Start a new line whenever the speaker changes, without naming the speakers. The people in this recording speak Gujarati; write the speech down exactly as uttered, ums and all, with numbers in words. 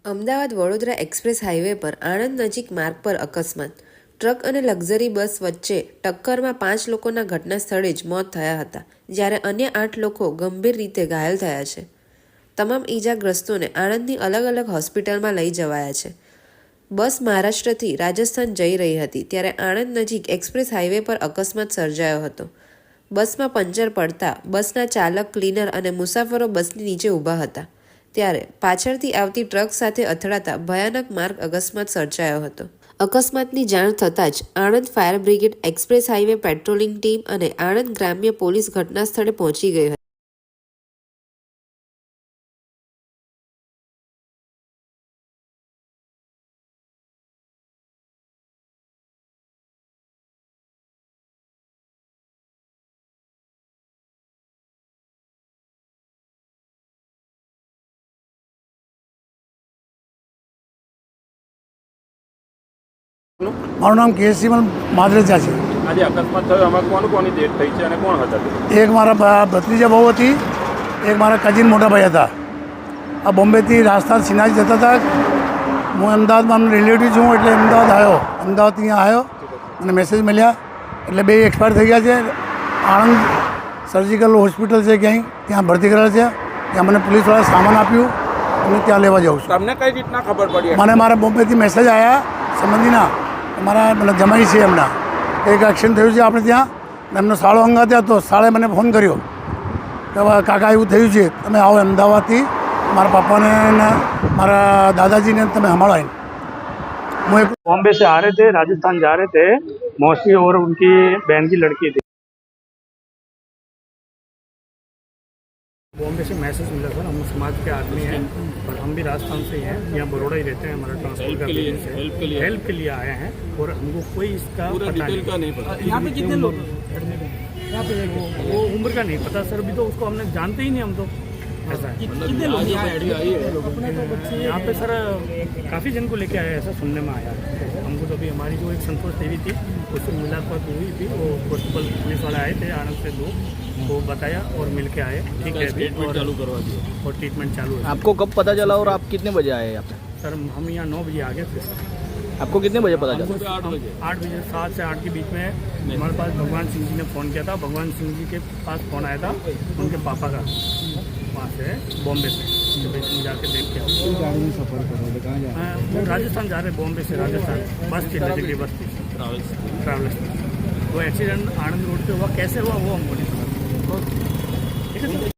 અમદાવાદ વડોદરા એક્સપ્રેસ હાઈવે પર આણંદ નજીક માર્ગ પર અકસ્માત. ટ્રક અને લક્ઝરી બસ વચ્ચે ટક્કરમાં પાંચ લોકોના ઘટના સ્થળે જ મોત થયા હતા, જ્યારે અન્ય આઠ લોકો ગંભીર રીતે ઘાયલ થયા છે. તમામ ઈજાગ્રસ્તોને આણંદની અલગ અલગ હોસ્પિટલમાં લઈ જવાયા છે. બસ મહારાષ્ટ્રથી રાજસ્થાન જઈ રહી હતી ત્યારે આણંદ નજીક એક્સપ્રેસ હાઈવે પર અકસ્માત સર્જાયો હતો. બસમાં પંચર પડતા બસના ચાલક, ક્લીનર અને મુસાફરો બસની નીચે ઊભા હતા ત્યારે પાછળથી આવતી ટ્રક સાથે અથડાતા ભયાનક માર્ગ અકસ્માત સર્જાયો હતો. અકસ્માતની જાણ થતાં જ Anand fire brigade, express highway patrolling team અને આણંદ ગ્રામ્ય પોલીસ ઘટના સ્થળે પહોંચી ગઈ હતી.
મારું નામ કેસીમલ માદરેજા છે.
આજે અકસ્માત થયો, આમાં કોણ કોની ડેથ થઈ છે અને કોણ હતા?
એક મારા ભત્રીજા બહુ હતી, એક મારા કઝિન મોટા ભાઈ હતા. આ બોમ્બેથી રાજસ્થાન સિનાજી જતા હતા. હું અમદાવાદમાં રિલેટિવ છું એટલે અમદાવાદ આવ્યો. અમદાવાદ અહીંયા આવ્યો અને મેસેજ મળ્યા એટલે બે એક્સપાયર થઈ ગયા છે. આણંદ સર્જિકલ હોસ્પિટલ છે ક્યાંય, ત્યાં ભરતી કરેલા છે. ત્યાં મને પોલીસવાળાએ સામાન આપ્યું અને ત્યાં લેવા જાઉં છું.
તમને કઈ રીતના ખબર પડી?
મને મારા બોમ્બેથી મેસેજ આવ્યા સંબંધીના, મારા મને જમાઈ છે એમના, એક એક્સિડન્ટ થયું છે આપણે ત્યાં. એમનો સાળો અંગાત હતો. સાળે મને ફોન કર્યો કે કાકા એવું થયું છે, તમે આવો અમદાવાદથી મારા પાપાને ને મારા दादाजी ने તમે સંભાળાય. હું एक
बॉम्बे से आ रहे थे, राजस्थान जा रहे थे. मौसी और उनकी बहन की लड़की थी. बॉम्बे से मैसेज मिला सर, हम समाज के आदमी हैं और हम भी राजस्थान से ही हैं, यहाँ बड़ौदा ही रहते हैं. हमारा ट्रांसपोर्ट का बिजनेस है, हेल्प के लिए हेल्प के लिए आए हैं और हमको कोई इसका पता नहीं का नहीं पता. यहाँ पे कितने लोग? यहाँ पे वो उम्र का नहीं पता सर, अभी तो उसको हमने जानते ही नहीं हम तो. ऐसा है. कितने लोग यहाँ पे सर? काफ़ी जन को लेके आए, ऐसा सुनने में आया. हमको तो अभी हमारी जो एक संतोष देवी थी उससे मुलाकात हुई थी. वो कॉन्स्टेबल पुलिस वाले आए थे आनंद से, दो वो बताया और मिल के आए. ठीक है, ट्रीटमेंट चालू करवा दिया और ट्रीटमेंट चालू है.
आपको कब पता चला और आप कितने बजे आए यहाँ पे?
सर हम यहाँ नौ बजे आ गए थे.
आपको कितने बजे पता चला?
आठ बजे आठ बजे सात से आठ के बीच में हमारे पास भगवान सिंह जी ने फ़ोन किया था. भगवान सिंह जी के पास फ़ोन आया था उनके पापा का, वहाँ से बॉम्बे से, कि भाई तुम जाके देख के आओ. गाड़ी में सफ़र करो, कहाँ जा रहे? वो राजस्थान जा रहे, बॉम्बे से राजस्थान. बस थी, लग्जरी बस थी, ट्रैवल्स ट्रैवल्स. वो एक्सीडेंट आनंद रोड पे हुआ, कैसे हुआ वो हमको नहीं पता. ठीक है.